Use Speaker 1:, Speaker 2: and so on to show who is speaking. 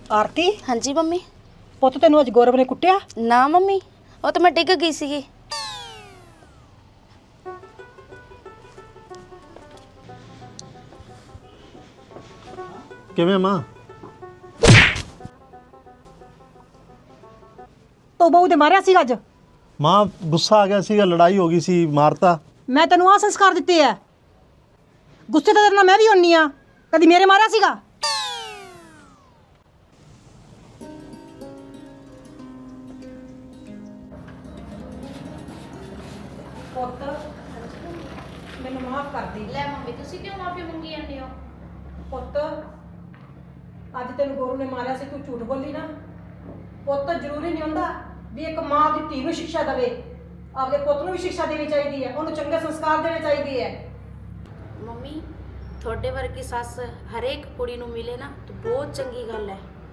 Speaker 1: ਆਰਤੀ
Speaker 2: ਹਾਂਜੀ ਮੰਮੀ।
Speaker 1: ਪੁੱਤ ਤੈਨੂੰ ਅੱਜ ਗੌਰਵ ਨੇ ਕੁੱਟਿਆ?
Speaker 2: ਨਾ ਮੰਮੀ, ਉਹ ਤਾਂ ਮੈਂ ਡਿੱਗ ਗਈ ਸੀਗੀ।
Speaker 3: ਕਿਵੇਂ ਮਾਂ?
Speaker 1: ਤੂੰ ਬਹੂ ਦੇ ਮਾਰਿਆ ਸੀ ਅੱਜ?
Speaker 3: ਮਾਂ ਗੁੱਸਾ ਆ ਗਿਆ ਸੀਗਾ, ਲੜਾਈ ਹੋ ਗਈ ਸੀ, ਮਾਰਤਾ।
Speaker 1: ਮੈਂ ਤੈਨੂੰ ਆਹ ਸੰਸਕਾਰ ਦਿੱਤੇ ਆ। ਗੁੱਸੇ ਤਾਂ ਤੇਰੇ ਨਾਲ ਮੈਂ ਵੀ ਹੁੰਨੀ ਆ। ਕਦੀ ਮੇਰੇ ਮਾਰਿਆ ਸੀਗਾ? ਪੁੱਤ ਮੈਨੂੰ ਮਾਫ ਕਰ ਦੇ।
Speaker 4: ਲੈ ਮੰਮੀ, ਤੁਸੀਂ ਕਿਉਂ ਮਾਫੀ ਮੰਗੀ ਜਾਂਦੇ ਹੋ?
Speaker 1: ਪੁੱਤ ਅੱਜ ਤੈਨੂੰ ਗੁਰੂ ਨੇ ਮਾਰਿਆ ਸੀ, ਤੂੰ ਝੂਠ ਬੋਲੀ ਨਾ। ਪੁੱਤ ਜ਼ਰੂਰੀ ਨਹੀਂ ਹੁੰਦਾ ਵੀ ਇੱਕ ਮਾਂ ਆਪਣੀ ਧੀ ਨੂੰ ਸਿੱਖਿਆ ਦੇਵੇ, ਆਪਦੇ ਪੁੱਤ ਨੂੰ ਵੀ ਸਿੱਖਿਆ ਦੇਣੀ ਚਾਹੀਦੀ ਹੈ, ਉਹਨੂੰ ਚੰਗੇ ਸੰਸਕਾਰ ਦੇਣੇ ਚਾਹੀਦੇ ਹੈ।
Speaker 4: ਮੰਮੀ, ਤੁਹਾਡੇ ਵਰਗੀ ਸੱਸ ਹਰੇਕ ਕੁੜੀ ਨੂੰ ਮਿਲੇ ਨਾ ਤਾਂ ਬਹੁਤ ਚੰਗੀ ਗੱਲ ਹੈ।